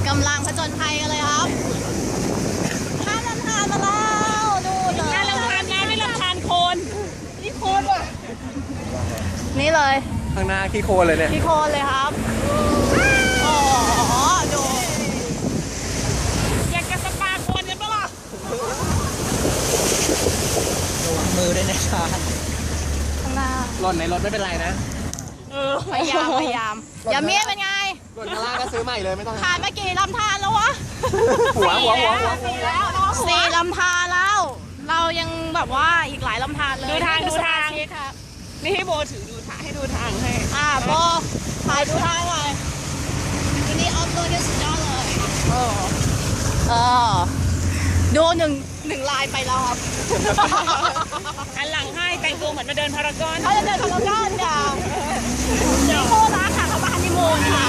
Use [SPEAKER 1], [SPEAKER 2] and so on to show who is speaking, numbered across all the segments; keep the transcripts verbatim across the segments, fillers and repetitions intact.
[SPEAKER 1] กำลังผจญภัยกันเลยครับข้ามลำธารมาแล้วดูเลย
[SPEAKER 2] น่าลำคาญนะไม่ลำคาญโคนนี่โคนว่ะ
[SPEAKER 1] นี่เลย
[SPEAKER 3] ข้างหน้าขี้โคลนเลยเนี่ย
[SPEAKER 1] พี่โคนเลยครับโอ้โหดู
[SPEAKER 2] อยากจะสปาโคนกันปะล่ะ
[SPEAKER 3] มือด้วยนะชา
[SPEAKER 1] ข้างหน้า
[SPEAKER 3] หล่นในรถไม่เป็นไรนะ
[SPEAKER 2] เออ
[SPEAKER 1] พยายามพยายามอย่าเมียเป็นไง
[SPEAKER 3] หล่นข้างล่างก็ซื้อใหม่เลยไม่ต้อง
[SPEAKER 1] ผ่านมากี่ลำธารแล้ววะ
[SPEAKER 3] หัวหัวหัวหัว
[SPEAKER 1] สี่แล้วสี่ลำธารแล้ว เรายังแบบว่าอีกหลายลำธารเลย
[SPEAKER 2] ดูทาง
[SPEAKER 1] นี่
[SPEAKER 2] ดู
[SPEAKER 1] คือ
[SPEAKER 2] ทาง
[SPEAKER 1] สมชิกครับ
[SPEAKER 2] นี่ให้โบถือดูทางให้ดูทางให้
[SPEAKER 1] อ่าโบถ่ายดูทางหน่อยวันนี้ออฟตัวเนี่ยสุดยอดเลยเออเออดูหนึ่งหนึ่งลายไปแล้วครับ
[SPEAKER 2] อันหลังให้แต่งตัวเหมือนมาเดินพารากอน
[SPEAKER 1] เขาจะเดินพารากอนค่ะนี่โครักค่ะเขามาฮันนีมูนค่ะ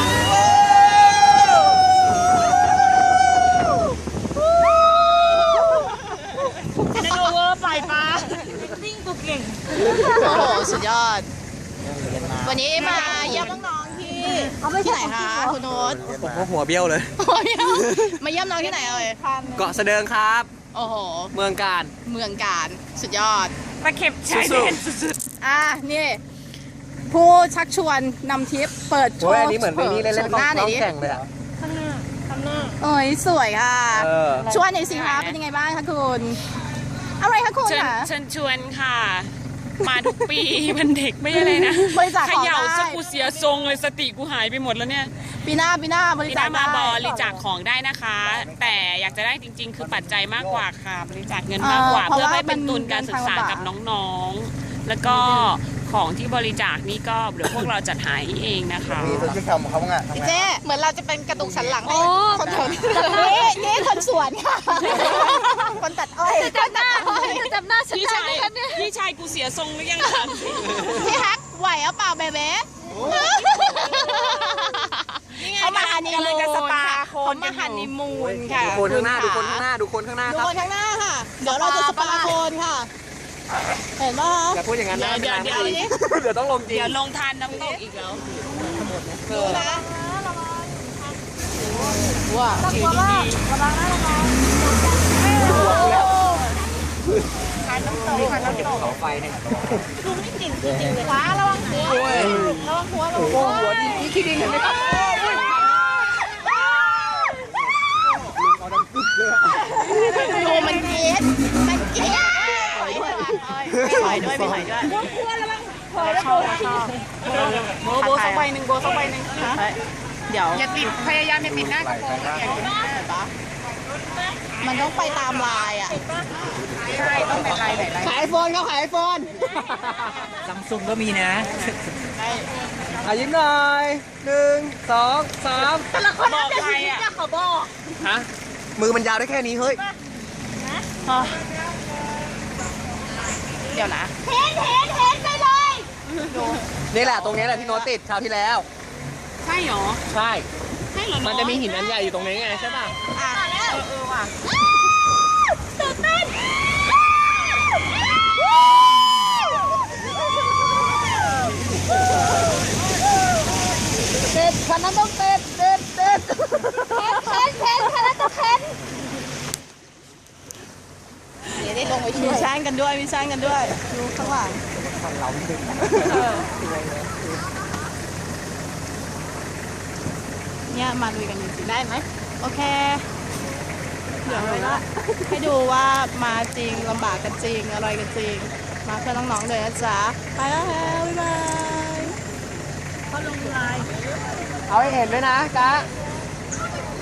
[SPEAKER 2] นันโอเวอร์ปล่อยปลาติ้งตัวเก่ง
[SPEAKER 1] โอ้โหสุดยอด วันนี้มาเยี่ยมน้องๆที่ที่ไหนคะคุณโน้ต
[SPEAKER 3] ผมก็หัวเบี้ยวเลย
[SPEAKER 1] มาเยี่ยมน้องที่ไหนเอ่ย
[SPEAKER 3] เกาะเสดิงครับ
[SPEAKER 1] โอ้โห
[SPEAKER 3] เมืองการ
[SPEAKER 1] เมืองการสุดยอด
[SPEAKER 2] ตะเข็บชายแดนสุด
[SPEAKER 1] อ่ะนี่ผู้ชักชวนนำทริปเปิดโช
[SPEAKER 3] โอ้ย
[SPEAKER 1] ว์
[SPEAKER 3] อันนี้เหมือนไปนี่เล่น
[SPEAKER 1] โช
[SPEAKER 3] เล่น
[SPEAKER 1] ว์
[SPEAKER 3] ก
[SPEAKER 1] หน้าหน่
[SPEAKER 3] ล้
[SPEAKER 1] อ
[SPEAKER 3] อย ง
[SPEAKER 1] ดิ
[SPEAKER 3] แข่งเลยอ่ะ
[SPEAKER 2] ๆข้างหน้าข้างหน้า
[SPEAKER 1] เอ้ยสวยค่ะ
[SPEAKER 3] เออ
[SPEAKER 1] ชวนหน่อยสิคะเป็นยังไงบ้างคะคุณอะไรคะคุณ
[SPEAKER 2] เชิญ
[SPEAKER 1] คะ
[SPEAKER 2] เชิญชวนค่ะ มาทุกปีมันเด็กไม่ใช่เลยนะ
[SPEAKER 1] บริจาค
[SPEAKER 2] เข
[SPEAKER 1] ของ
[SPEAKER 2] ย่า
[SPEAKER 1] ได้
[SPEAKER 2] สกูเสียทรงเลยสติกูหายไปหมดแล้วเนี่ย
[SPEAKER 1] ปีหน้าปีหน้าบริ
[SPEAKER 2] พี่
[SPEAKER 1] จา
[SPEAKER 2] น้า
[SPEAKER 1] ค
[SPEAKER 2] มา
[SPEAKER 1] ได้
[SPEAKER 2] บริจาคของได้นะคะ แต่อยากจะได้จริง ๆ คือปัจจัยมากกว่าค่ะ บริจาคเงินมากกว่า เพื่อให้เป็นทุนการศึกษากับน้องๆ แล้วก็ของที่บริจาคนี่ก็เดี๋ยวพวกเราจัดหาเองนะคะ
[SPEAKER 3] มีที่ทำเขาไง
[SPEAKER 1] เจ๊เหมือนเราจะเป็นกระดูกสันหลังให้คนแถวนี้นี่นี่คนสวนค่ะคนตัดอ้อยคนตัดอ้อยจำหน้าฉัน
[SPEAKER 2] พี่
[SPEAKER 1] ได้
[SPEAKER 2] ชาย
[SPEAKER 1] ไหมคะเนี่ย
[SPEAKER 2] พี่ชายกูเสียทรงหรือยังถามสิ
[SPEAKER 1] พี่ฮักไหวหรือเปล่าเบเบ้เขามาฮันนีมูนค่ะเขามาฮันนีมูนค่ะ
[SPEAKER 3] ดูคนข้างหน้าดูคนข้างหน้าดูคนข้างหน้า
[SPEAKER 1] ดู
[SPEAKER 3] ครับ
[SPEAKER 1] คนข้างหน้าค่ะ เดี๋ยวเราจะสปาโคนค่ะ เห็นป่ะ
[SPEAKER 3] อย่าพูดอย่างนั้นนะ
[SPEAKER 2] เดี๋ยวเดี๋ยว
[SPEAKER 3] เดี๋ยวต้องลงจริง
[SPEAKER 2] เดี๋ยวลงทานน้ำตกอีกแล้ว
[SPEAKER 1] ดูนะว้า
[SPEAKER 2] ถือดี
[SPEAKER 1] ทานน้ำตกทานน้ำตก
[SPEAKER 3] เสาไฟเนี่ย
[SPEAKER 1] ฟ้าระวังหัวระวังหัวระวังหัว
[SPEAKER 3] หัวดีนี่ขี้ดินเห็นไหมครับ
[SPEAKER 1] ดูมันเกลียดมันเกลียดถอยด้วยถอยด้วยไม่ถอยด้วยถอยแล้วโบโบสักใบหนึ่งโบสักใบหนึ่งเดี๋ยว
[SPEAKER 2] อย่าติดพยายามอย่าติดหน้ากระโปรงอย่าติดหน้า
[SPEAKER 1] มันต้องไปตามลายอ่ะ
[SPEAKER 2] ใช่ต้องเป็นลายไหนลาย
[SPEAKER 1] ขายไอโฟนเขาขายไอโฟน
[SPEAKER 3] ซัมซุงก็มีนะอายิ้มหน่อยหนึ่งสองสาม
[SPEAKER 1] แต่ละคน
[SPEAKER 2] บอกใครอ่ะ
[SPEAKER 1] เขาบอก
[SPEAKER 3] ฮะมือมันยาวได้แค่นี้เฮ้ย
[SPEAKER 1] เดี๋ยวนะเห็นเห็นเห็นไปเลย
[SPEAKER 3] นี่แหละตรงนี้แหละที่โน้ตติดคราวที่แล้ว
[SPEAKER 2] ใช่หรอ
[SPEAKER 3] ใช่
[SPEAKER 2] ใช่เหรอ
[SPEAKER 3] มันจะมีหินอันใหญ่อยู่ตรงนี้ไงใช่ป่ะ
[SPEAKER 1] อ่ะแล้ว
[SPEAKER 2] เออว่ะ
[SPEAKER 1] ตื่นเต้นเต้นคันนั้นต้องเต้นเต้นเต้นเพ้นเพ้นเพ้นคันนั้นต้องเพ้นเดี๋ยวได้ลงไปช่วยมีช่างกันด้วยมีช่างกันด้วยดูข้างหลังเนี่ยมาลุยกันจริงๆได้ไหมโอเคเดี๋ยวไปละให้ดูว่ามาจริงลำบากกันจริงอะไรกันจริงมาเพื่อน้องๆเลยนะจ๊ะไปแล้วบ๊ายบายเขาลงไลน์
[SPEAKER 3] เอาให้เห็นด้วยนะกะ